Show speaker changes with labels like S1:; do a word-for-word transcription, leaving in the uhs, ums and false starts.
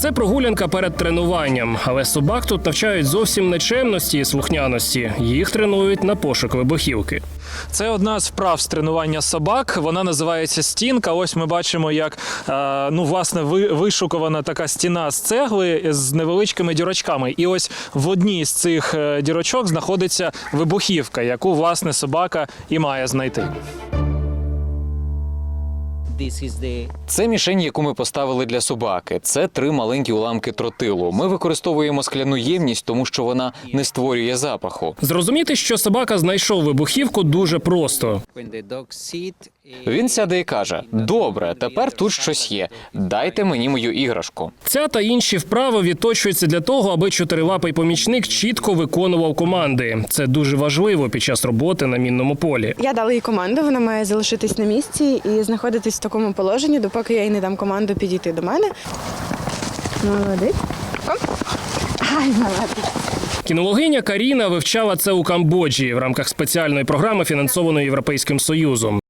S1: Це прогулянка перед тренуванням, але собак тут навчають зовсім не чемності і слухняності. Їх тренують на пошук вибухівки.
S2: Це одна з вправ з тренування собак. Вона називається стінка. Ось ми бачимо, як е, ну, власне, ви, вишукувана така стіна з цегли з невеличкими дірочками. І ось в одній з цих дірочок знаходиться вибухівка, яку, власне, собака і має знайти.
S3: Це мішень, яку ми поставили для собаки. Це три маленькі уламки тротилу. Ми використовуємо скляну ємність, тому що вона не створює запаху.
S1: Зрозуміти, що собака знайшов вибухівку, дуже просто.
S3: Він сяде і каже: «Добре, тепер тут щось є. Дайте мені мою іграшку».
S1: Ця та інші вправи відточуються для того, аби чотирилапий помічник чітко виконував команди. Це дуже важливо під час роботи на мінному полі.
S4: Я дала їй команду, вона має залишитись на місці і знаходитись в такому положенні, допоки я їй не дам команду підійти до мене. Молодець. Оп. Ай, молодець.
S1: Кінологиня Каріна вивчала це у Камбоджі в рамках спеціальної програми, фінансованої Європейським Союзом.